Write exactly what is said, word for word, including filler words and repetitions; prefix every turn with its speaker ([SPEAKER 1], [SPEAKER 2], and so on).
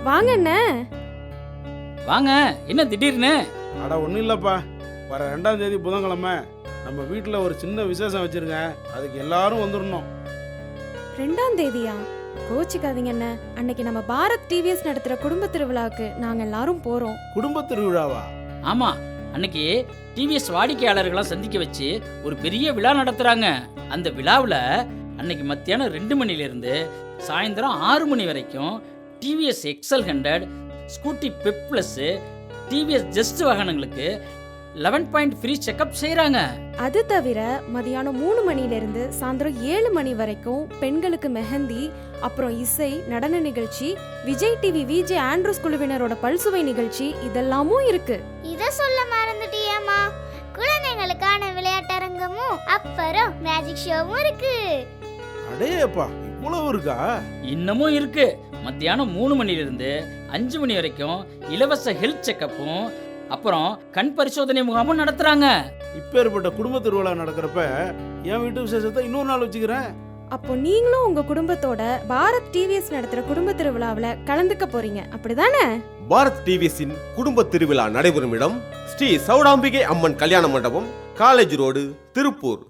[SPEAKER 1] வாங்க அண்ணே.
[SPEAKER 2] வாங்க, என்ன திடீர்னு?
[SPEAKER 3] அட ஒன்றும் இல்லைப்பா, வர ரெண்டாம் தேதி புதன்கிழமை நம்ம வீட்டில் ஒரு சின்ன விசேஷம் வச்சிருங்க, அதுக்கு எல்லாரும் வந்துடணும்.
[SPEAKER 1] ரெண்டாம் தேதியா? கோச்சிக்காதீங்க அண்ணே. அன்னைக்கு நம்ம பாரத் டிவிஎஸ் நடத்துற குடும்ப திருவிழாவுக்கு நாங்க எல்லாரும் போறோம்.
[SPEAKER 3] குடும்ப திருவிழாவா?
[SPEAKER 2] ஆமா, அன்னைக்கு டிவிஎஸ் வாடிக்கையாளர்களை சந்திக்க வச்சு ஒரு பெரிய விழா நடத்துறாங்க. அந்த விழாவில் அன்னைக்கு மத்தியானம் ரெண்டு மணில இருந்து சாயந்தரம் ஆறு மணி வரைக்கும் TVS XL hundred, scooty pep plus, TVS just வாகனங்களுக்கு லெவன் பாயிண்ட் ஃப்ரீ செக்அப் செய்யறாங்க.
[SPEAKER 1] அது தவிர மதியானம் மூணு மணில இருந்து சாயந்தரம் ஏழு மணி வரைக்கும் பெண்களுக்கு மெஹந்தி, அப்புறம் இசை, நடன நிகழ்ச்சி, விஜய் டிவி விஜே ஆண்ட்ரூஸ் குழுவினரோட பல்சுவை நிகழ்ச்சி இதெல்லாமும் இருக்கு.
[SPEAKER 4] இத சொல்ல மறந்துட்டியேம்மா, குழந்தைகளுக்கான விளையாட்டரங்கமும் அப்புறம் மேஜிக் ஷோவும் இருக்கு.
[SPEAKER 3] அடேப்பா, இவ்வளவு இருக்கா?
[SPEAKER 2] இன்னமும் இருக்கு. மத்தியானம் மூணு மணில இருந்து அஞ்சு மணி வரைக்கும் இலவச ஹெல்த் செக்அப்பும் அப்புறம் கண் பரிசோதனை முகாமும் நடத்துறாங்க.
[SPEAKER 3] இப்பேற்பட்ட குடும்ப திருவிழா நடக்கிறப்ப என் வீட்டு விசேஷத்தை இன்னொரு நாள் வச்சுக்கிறேன்.
[SPEAKER 1] அப்போ நீங்களும் உங்க குடும்பத்தோட பாரத் டிவிஎஸ் நடத்துற குடும்ப திருவிழாவுல கலந்துக்க போறீங்க, அப்படிதானே?
[SPEAKER 5] பாரத் டிவிஎஸின் குடும்ப திருவிழா நடைபெறும் இடம் ஸ்ரீ சௌடாம்பிகை அம்மன் கல்யாண மண்டபம், காலேஜ் ரோடு, திருப்பூர்.